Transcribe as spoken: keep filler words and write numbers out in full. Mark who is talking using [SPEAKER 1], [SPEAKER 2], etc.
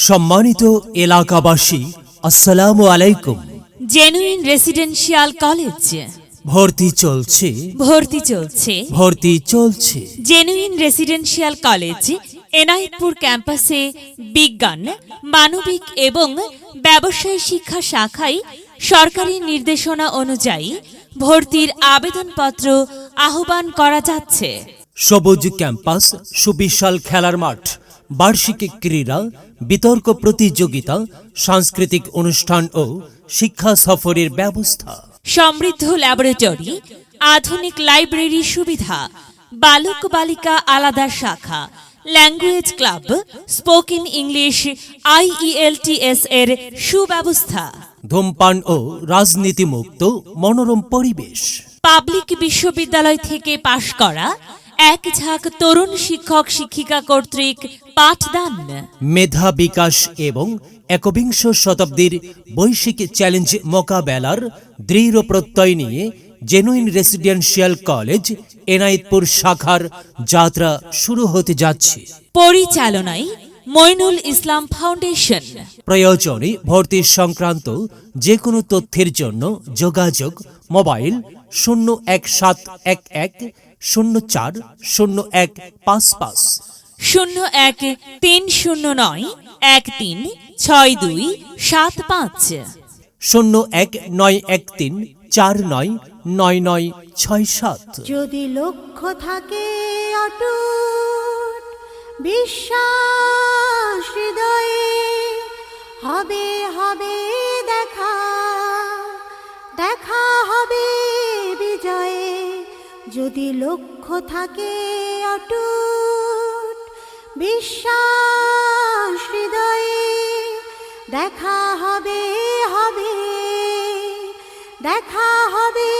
[SPEAKER 1] সম্মানিত এলাকাবাসী, আসসালামু আলাইকুম।
[SPEAKER 2] জেনুইন রেসিডেন্সিয়াল কলেজ
[SPEAKER 1] ভর্তি চলছে
[SPEAKER 2] ভর্তি চলছে
[SPEAKER 1] ভর্তি চলছে
[SPEAKER 2] জেনুইন রেসিডেন্সিয়াল কলেজ এনায়েতপুর ক্যাম্পাসে বিজ্ঞান, মানবিক এবং ব্যবসায় শিক্ষা শাখায় সরকারি নির্দেশনা অনুযায়ী ভর্তির আবেদনপত্র আহ্বান করা যাচ্ছে।
[SPEAKER 1] সবুজ ক্যাম্পাস, সুবিশাল খেলার মাঠ, বার্ষিক ক্রীড়া, বিতর্ক প্রতিযোগিতা, সাংস্কৃতিক অনুষ্ঠান ও শিক্ষা সফরের ব্যবস্থা,
[SPEAKER 2] সমৃদ্ধ ল্যাবরেটরি, আধুনিক লাইব্রেরি সুবিধা, বালক বালিকা আলাদা শাখা, language club, spoken English, IELTS এর সুব্যবস্থা,
[SPEAKER 1] ধূমপান ও রাজনীতিমুক্ত মনোরম পরিবেশ,
[SPEAKER 2] পাবলিক বিশ্ববিদ্যালয় থেকে পাশ করা এক ঝাঁক তরুণ শিক্ষক শিক্ষিকা কর্তৃক পাঠদান,
[SPEAKER 1] মেধা বিকাশ এবং একবিংশ শতাব্দীর বৈশ্বিক চ্যালেঞ্জ মোকাবেলার দৃঢ় প্রত্যয় নিয়ে জেনুইন রেসিডেন্সিয়াল কলেজ এনায়েতপুর শাখার যাত্রা শুরু হতে যাচ্ছে।
[SPEAKER 2] পরিচালনায় মইনুল ইসলাম ফাউন্ডেশন।
[SPEAKER 1] প্রয়োজনে ভর্তি সংক্রান্ত যে কোনো তথ্যের জন্য যোগাযোগ মোবাইল শূন্য এক সাত এক এক শূন্য চার শূন্য এক পাঁচ পাঁচ,
[SPEAKER 2] শূন্য এক তিন শূন্য নয় এক তিন ছয় দুই সাত পাঁচ,
[SPEAKER 1] শূন্য এক নয় এক তিন চার নয় নয় নয় ছয় সাত।
[SPEAKER 3] যদি লক্ষ্য থাকে অটুট বিশ্বাস হৃদয়ে, হবে হবে দেখা দেখা হবে বিজয়ে। যদি লক্ষ্য থাকে অটুট বিশ্বাস হৃদয়ে, দেখা হবে হবে দেখা হবে